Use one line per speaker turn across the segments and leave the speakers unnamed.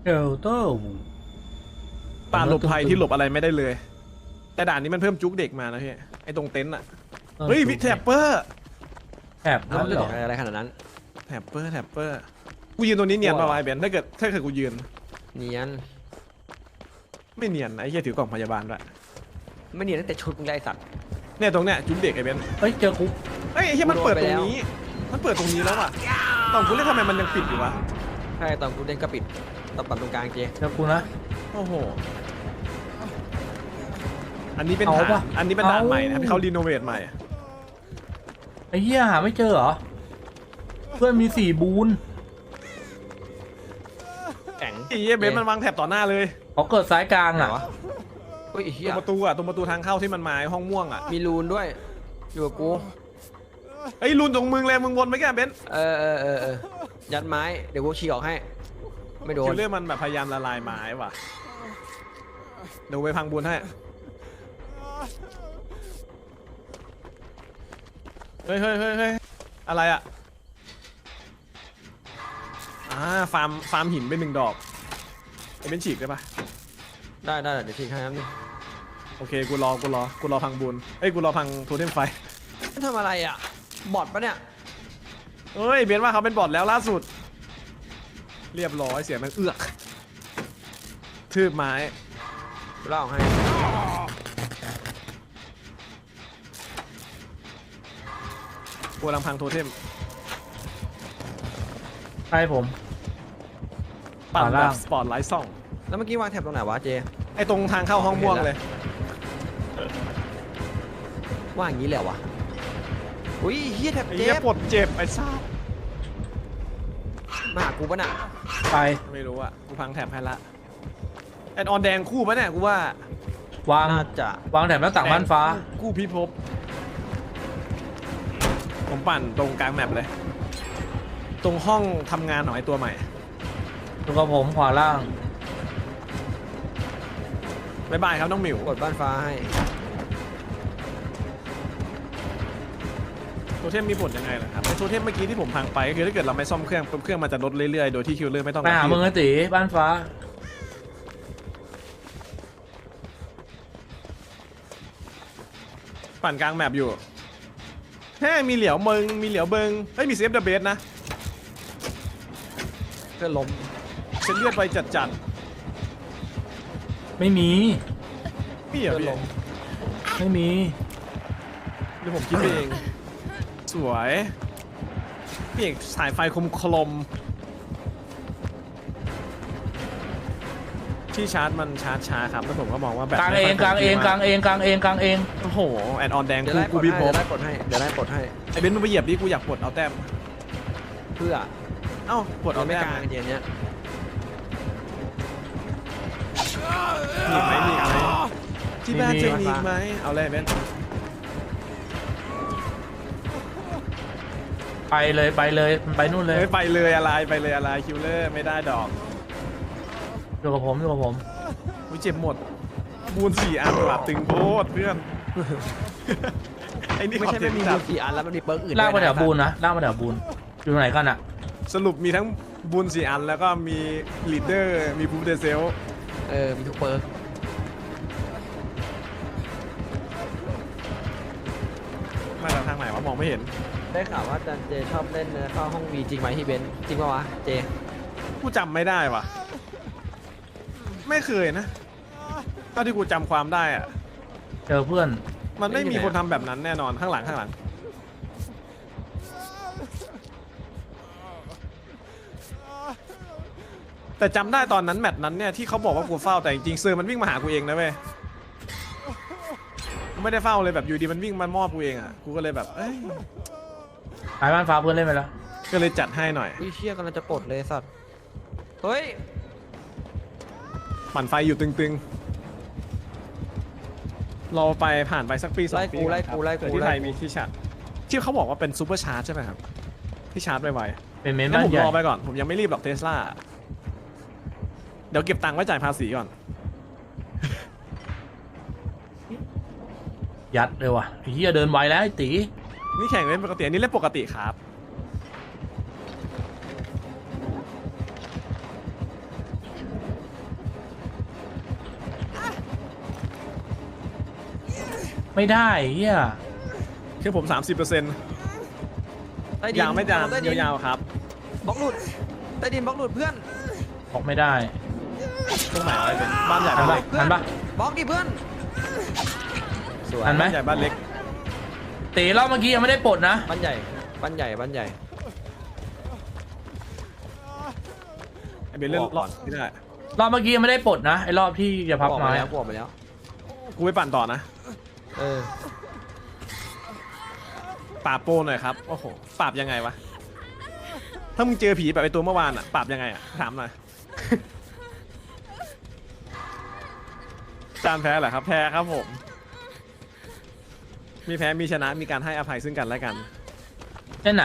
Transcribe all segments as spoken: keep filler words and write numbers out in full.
เอลเตอร์
ป่าหลบภัยที่หลบอะไรไม่ได้เลยแต่ด่านนี้มันเพิ่มจุกเด็กมานะพี่ไอ้ตรงเต็นท์อ่ะเฮ้ยวิแทปเปอร์
แถบ
แล้ว
นั่
มัน น
เหร
จะ
อ
อะไรขนาดนั้น
แทปเปอร์แทปเปอร์กูยืนตรงนี้เนียนป่าวไอ้เบนถ้าเกิดถ้าเกิดกูยืน
เนียน
ไม่เนียนไอ้เหี้ยถือกล่องพยาบาลด้วย
ไม่เนียนตั้งแต่ชุดมึงไล่สัตว์
เนี่ยตรงเนี้ยจุกเด็กไอ้เบน
เฮ้ยเจอคุก
เฮ้ยไอ้เหี้ยมันเปิดตรง
กูโดนไปแล้ว
นี้มันเปิดตรงนี้แล้วอ่ะตอนกูเล่นทำไมมันยังปิดอยู่วะ
ใช่ตอนกูเล่นก็ปิดตอนปัดตรงกลางเจ
เจอกูนะ
โอ้โหอันนี้เป็น
เอา
ฐาน
ปะ
อันนี้เป็นด่าน
เอา
ใหม่นะครับที่เขารีโนเวทใหม่
ไอ้เหี้ยหาไม่เจอเหรอเพื่อนมีสี่บูน
แข็ง
ไอ้เหี้ยเบนมันวางแถบต่อหน้าเลย
เขาเกิดสายกลาง
ไหน
อ่ะ
วะเฮ้ยไอ้
ต
เหี้
ร
ย
งประตูอ่ะตรงประตูทางเข้าที่มันมาไอ้ห้องม่วงอ่ะ
มีรูนด้วยอยู่กับกู
ไอ้ยลุนตรงมึงเลยมึงวนไปแก่เบน
เออเออเออเออยัดไม้เดี๋ยวกูฉีกออกให้ไม่โดน
คิวเรื่องมันแบบพยายามละลายไม้ว่ะเดี๋ยวไปพังบุญให้เฮ้ยเฮ้ยเฮ้ยเฮ้ยอะไรอ่ะอ่าฟาร์มฟาร์มหินไปหนึ่งดอกไอ้เบนฉีกได้ปะ
ได้ได้เดี๋ยวฉีกให้ครับนี่
โอเคกูรอกูรอกูรอพังบุญเอ้ยกูรอพังโทเทมไฟ
มันทำอะไรอ่ะบอดปะเนี่ย
เฮ้ยเบนว่าเขาเป็นบอทแล้วล่าสุด เรียบร้อยเสียงมันเอือกทืบไม้
กูเล่าออกให้
กูกำลังพังโทเทม
ใช่ผม
ปั่น
ขวา
แบ
ล่าง
บสปอร์ตไลท์ส่อง
แล้วเมื่อกี้วางแถบตรงไหนวะเจ
ไอ้ตรงทางเข้าห้องม่วงเลย
ว่าอย่างนี้เลยเหรอวะอุ้ยเฮียแถบ
ไอ้
เจ็
เหี้ย
บ
ปวดเจ็บไอ้ซ่า
มาหากูปะน่ะ
ไป
ไม่รู้อะกูพังแถบให้ละแอนออนแดงคู่ปะเนี่ยกูว่าว
าง
น่าจะ
วางแถบหน้าต่างบ้านฟ้า
คู่พิภพผมปั่นตรงกลางแมปเลย ตรงห้องทำงานของไอ้ตัวใหม่
ดูกับผมขวาล่าง
บ๊ายบายครับน้องหมิว
กดบ้านฟ้าให้
โทเทมมีผลยังไงล่ะครับไอ้โทเทมเมื่อกี้ที่ผมพังไปก็คือถ้าเกิดเราไม่ซ่อมเครื่องปุ๊บเครื่องมันจะลดเรื่อยๆโดยที่คิวเลอร์ไม่ต้อง
ไปหามึงไอ้ตีบ้านฟ้า
ปั่นกลางแมปอยู่แฮ่มีเหลียวเบิงมีเหลียวเบิงเฮ้ยมีเซฟเดอะเบสนะ
เพื่อนล้ม
เส้นเลือดไปจัด
ไม่มี
ๆพี่เหรอ
เพื่อน
พี่
ล้ม
ไม่มี
เดี๋ยวผมคิดเอง สวยพี่เอกสายไฟคมคลมที่ชาร์จมันชาร์จช้าครับแล้วผมก็มองว่าแบบ
กลางเองกลางเองกลางเองกลางเองกลางเอง
โอ้โหแอนออนแดง
เดี๋ยว
กู
ไล่ป
กู
ลด
พิ
ให้
ภพ
เดี๋ยวไล่ปลดให้เดี๋ยวไล่ปลดให้
ไอ้เบนซ์มึงไปเหยียบดิกูอยากปลดเอาแต้ม
เพื่อ
เอ้าปลด
เรา
เอา
ไม่
แต้
ก
ม
ลางเจนเนี้ย
มีไหมมีไหมที่บ้านจะมีไหมเอาเลยเบนซ์
ไปเลยไปเลยมันไปนู่นเลย
เฮ้ยไปเลยอะไรไปเลยอะไรคิวเลอร์ไม่ได้ดอก
อยู่กับผมอยู่กับผม
วิเจ็บหมดบูนสี่อันหลับตึงโพดเพื่อน ไอ้นี่
ไม่
ขอ
ใช่
เสี
ไม่
ยง
มี
จั
บู
ด
กี่อันแล้วมันมีเปิร์กอื่น
ลากมา
ด้วย
แถ
นะ
วบูนนะลากมาแถวบูนอยู่ตรงไหนกันอ่ะ
สรุปมีทั้งบูนสี่อันแล้วก็มีลีดเดอร์มีพูฟเดเซล
เออมีทุกเปิร์ก
มาจากทางไหนวะมองไม่เห็น
ได้ข่าวว่าจันเจชอบเล่นเข้าห้องวีจริงไหมที่เบนซ์จริงปะวะเจ
กูจำไม่ได้วะไม่เคยนะเท่าที่กูจำความได้อะ
เจอเพื่อน
มันไม่มีคนทำแบบนั้นแน่นอนข้างหลังข้างหลังแต่จำได้ตอนนั้นแมตช์นั้นเนี่ยที่เขาบอกว่ากูเฝ้าแต่จริงๆเซอร์มันวิ่งมาหากูเองนะเว้ยกูไม่ได้เฝ้าเลยแบบอยู่ดีมันวิ่งมามอบกูเองอ่ะกูก็เลยแบบเอ้ย
ไปบ้านฟ้าเพื่อนเล่นไปแล้ว
ก็เลยจัดให้หน่อย
วิเชียกำลังจะปลดเลยสัตว์เฮ้ย
ปั่นไฟอยู่ตึงๆรอไปผ่านไปสักปีสอง
ไล่
ปี
กูไล่
ครับ
กูไล่
เผื่อ
กู
ที่ไท
ไล่
ยมีที่ชาร์จที่เขาบอกว่าเป็นซูเปอร์ชาร์จใช่ไหมครับที่ชาร์จไว
เป็นเมน
ๆงั้น
บ้าน
ผม
ใหญ่
รอไปก่อนผมยังไม่รีบหรอกเทสลาเดี๋ยวเก็บตังค์ไว้จ่ายภาษีก่อน
ยัดเลยว่ะไอ้เหี้ยเดินไวแล้วไอ้ตี
นี่แข่งเล่นปกติอันนี้เล่นปกติครับ
ไม่ได้เฮีย
แค่ผมสามสิบเปอร์เซ็นต์
ใต้ดิน
ยาวไม่ยาว
ใต้ดิน
ยาวๆครับ
บล็อกหลุดใต้ดินบล็อกหลุดเพื่อน
ออกไม่ได้
ตรงไหนวะเป็นบ้านใหญ่
ทัน
บ้าน
ปะ
เล็ก
ทันปะ
บล็อกดิเพื่อนสวย
ทันไหม
บ้านใหญ่บ้านเล็ก
ตีรอบเมื่อกี้ยังไม่ได้ปลดนะ
บ้านใหญ่บ้านใหญ่บ้านใหญ่
ไอเบนเล่นรอดไม่ได้
รอบเมื่อกี้ยังไม่ได้ปลดนะไอ้รอบที่จะพับ
ออก
ไม้
มาแล้ว
อะ
กูออกมาแล้ว
กูไปปั่นต่อนะ
เออ
ปราบโปรหน่อยครับโอ้โหปราบยังไงวะถ้ามึงเจอผีแบบไอตัวเมื่อวานอะปราบยังไงอะถามหน่อย จานแพ้เหรอครับแพ้ครับผม มีแพ้มีชนะมีการให้อภัยซึ่งกันและกัน
เส้นไหน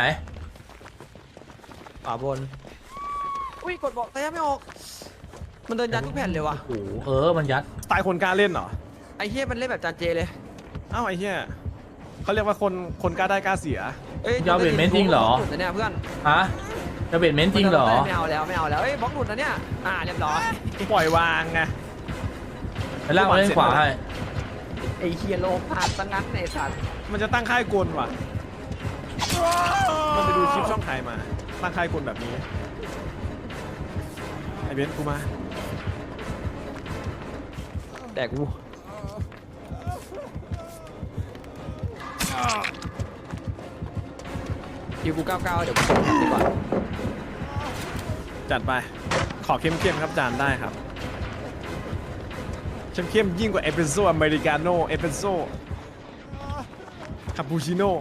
ขวาบนอุ้ยกดบอกแต่ยังไม่ออกมันเดินยัดทุกแผ่นเลยว่ะ
โอ้โหเออมันยัด
สไตล์คนกล้าเล่นเหรอ
ไอ้เฮียมันเล่นแบบจานเจเลย
เอ้าไอ้เหี้ยเขาเรียกว่าคนคนกล้าได้กล้าเสีย
เอ้ย
ยาวเวทเมนต์จริงเหรอ
บล็อกหลุดนะเนี่ยเพื่อน
ฮะจะเบ็ดเม้นจริงเหรอ
ไม่เอาแล้วไม่เอาแล้วเอ้ยบล็อกหลุดนะเนี่ยอ่าเรียบร้อย
ปล่อยวางไง
ไปล่างมาเล่นขวาให้
ไอ้เฮียโลพาสังงั้นในสัตว์
มันจะตั้งค่ายกลว่ะ มันไปดูคลิปช่องใครมา ตั้งค่ายกลแบบนี้ ไอเบนซ์กูมา
แต่กูคิวกูเก้าเก้าเดี๋ยวกูส่งดีกว่า
จัดไป ขอเข้มๆครับจานได้ครับ เข้มๆยิ่งกว่าเอสเปรสโซ่อเมริกาโน่เอสเปรสโซ่คาปูชิโน่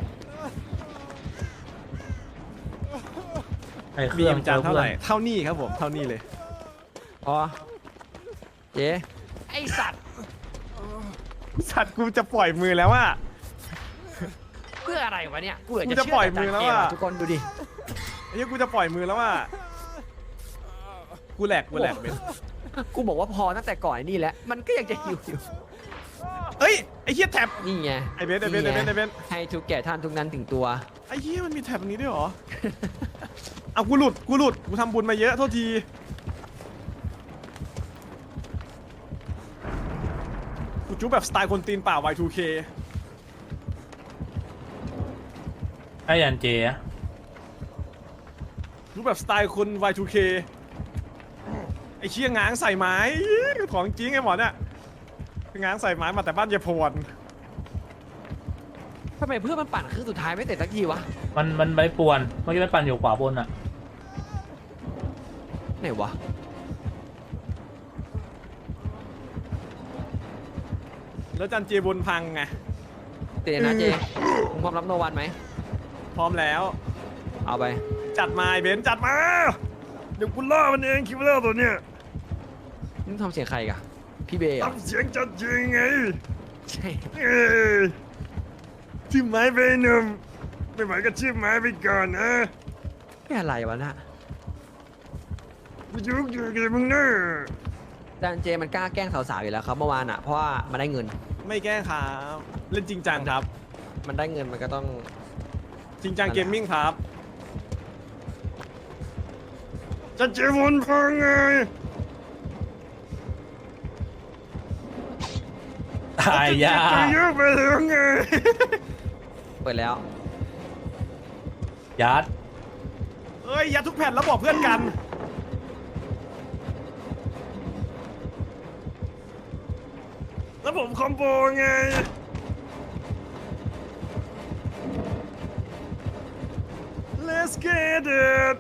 ไอ้เค
มี
รื่อง
จานเท่าไหร่
พื่อน
เท่านี้ครับผม เท่านี้เลย
อ๋อเจ๊ไอสัตว์
สัตว์กูจะปล่อยมือแล้วว่า
เพื่ออะไรวะเนี่ยกูเหลือ
กู
จะ
จะ
เชื่
ปล่อย
แต่
มือแล้ว
เก
อะ
ทุกคนดูดิ
ไอ้เหี้ยกูจะปล่อยมือแล้วว่า กูแหลกกูแหลกเบนซ์
กูบอกว่าพอตั้งแต่ก่อนไอ้นี่แล้วมันก็ยังจะหิวอยู่
เอ้ย ไอ้เหี้ยแท็บ
นี่ไง
ไอ้เบนซ์ไอ้เบนซ์ไอ้เบนซ์ไอ้เบนซ์
ให้ทุกแก่ท่านทุกนั้นถึงตัว
ไอ้เหี้ยมันมีแท็บนี้ด้วยเหรอ เอากูหลุด กูหลุด กูทำบุญมาเยอะโทษที กูจุ๊บแบบสไตล์คนตีนเปล่า วาย ทู เค
ไอ้ยันเจอะ
จุ๊บแบบสไตล์คน วาย ทู เค ไอ้เชี่ยง้างใส่ไม้ของจริงไอ้หมอเนี่ยง้างใส่ไม้มาแต่บ้านเยพวน
ทำไมเพื่อนมันปั่นคือสุดท้ายไม่เสร็จสักทีวะ
มันมันไปป่วนเมื่อกี้มันปั่นอยู่ขวาบนอะ
ไหนวะ
แล้วจันเจบนพังไง
เตะนะเจมึงพร้อมรับโนวันไหม
พร้อมแล้ว
เอาไป
จัดมาไอ้เบนซ์จัดมา เดี๋ยวกูล่ามันเองคิวเลอร์ตัวเนี้ย
นี่ทำเสียงใครกะพี่เบย์เหรอ
ทำเสียงจัดจริงไง
ใช่
เอ้ยชื่อไม้ไปหนุ่มไม่ไหวก็ชื่อไม้ไปก่อนนะ
ไม่อะไรวะน่ะ
กูยุกอยู่กับมึงเนอะ
แต่เจมันกล้าแกล้งสาวๆอยู่แล้วครับเมื่อวานอ่ะเพราะว่ามันได้เงิน
ไม่แกล้งครับเล่นจริงจังครับ
มันได้เงินมันก็ต้อง
จริงจังเกมมิ่งครับจะเจอวนพังไง
ตายยา
จะเยอะไปแล้วไง
เปิดแล้ว
ยัด
เอ้ยยัดทุกแผ่นแล้วบอกเพื่อนกัน แล้วผมคอมโบไง Let's get it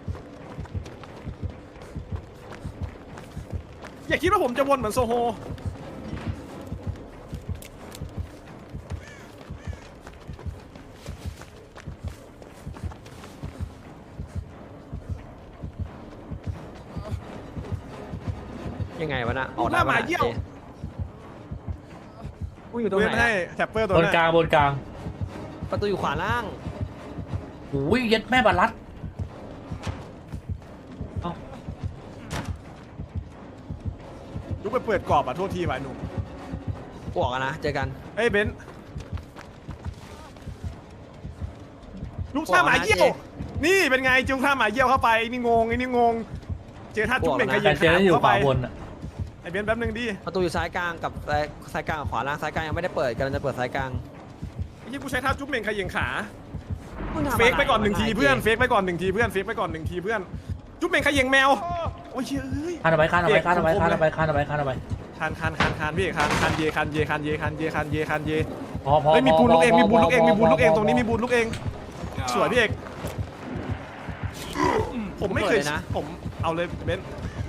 อย่าคิดว่าผมจะวนเหมือนโซโฮ
ยังไงวะน่ะออก
ห
ได้
น้าห
ปะ
มา
น่ะ
เยี่ยว
เจกูอยู่ตรง
เว้
ไหน
นให้
อะ
แท็ปเปอร์ตัว
บน
นั้น
กลางบนกลาง
ประตูอยู่ขวาล่าง
โอ้ยยัดแม่บาลัดเอ้า
ลุกไปเปิดกรอบอ่ะโทษทีว่ะหนุ่ม
กูออกกันนะเจอกัน
เฮ้ยเบนซ์ลูกท่าหมาเยี่ยว นี่เป็นไงจุงท่าหมาเยี่ยวเข้าไปไอ้นี่งงไอ้นี่งง เจอท่าจุ๊บเบ่งกระ
แต่
ยิง
เจอ
ขา
แล้วอยู่
เข้า
ข
ไป
วาบนอะ
ไอเบนซ์แป๊บนึงดิ
ประตูอยู่ซ้ายกลางกับซ้ายซ้ายกลางกับขวาล่างซ้ายกลางยังไม่ได้เปิดกำลังจะเปิดซ้ายกลาง
ไอ้ที่กูใช้ท่าจุ๊บเหม่งขยิงขา
มึงทำะร
เฟกไปก่อนหนึ่งที
วะ
เพื่อนเฟกไปก่อนหนึ่งทีเพื่อนเฟกไปก่อนหนึ่งทีเพื่อนจุ๊บเหม่งขยิงแมวโอ้ยเฮ้ย
คานเอาไปคานเอาไปคานเอาไปคานเอาไปคานเอาไปคานเอาไป
คานคานคานคานพี่คานคานเยคานเยคานเยคานเยคานเยคานเย
พอพอ
เฮ้ยมีบูนลูกเอง
พ
มีบูนลูกเอง
พ
มีบูนลูกเอง
พ
ตรงนี้มีบูนลูกเองสวยพี่เอกผมไม่เคยผมเอาเลยเบนซ์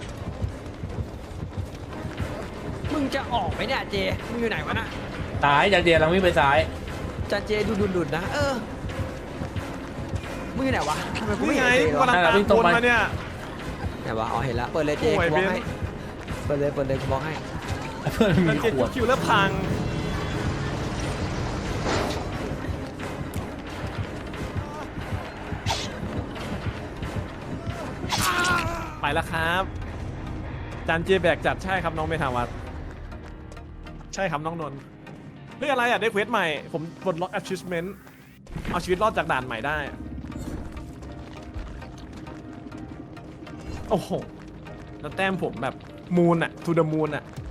มึงจะออกไหมเนี่ยเจมึงอยู่ไหนวะน่ะ
ซ้ายจากเดียร์เราวิ่งไปซ้าย
จันเจดูดุนๆนะเออมึงอยู่ไหนวะทำไมกูไม่
นี่
เห็น
ไง
เจ
กู
วะ
กำลังตามคนมาเนี่ย
ไหนวะอ๋อเห็นแล้วเปิดเลยเจ
โอ้ย
กูบล็อก
เบน
ให้เปิดเลยเปิดเลยกูบล็อกให้
เพื่อน
มั
มี
นเก็บ
ขวด
คิวแล้วพังไปแล้วครับจานเจแบกจัดใช่ครับน้องเมธาวัฒน์ใช่ครับน้องนนท์เรื่องอะไรอ่ะได้เควสใหม่ ผมปลดล็อก achievement เอาชีวิตรอดจากด่านใหม่ได้ โอ้โห แล้วแต้มผมแบบมูนอะ to the moon อะ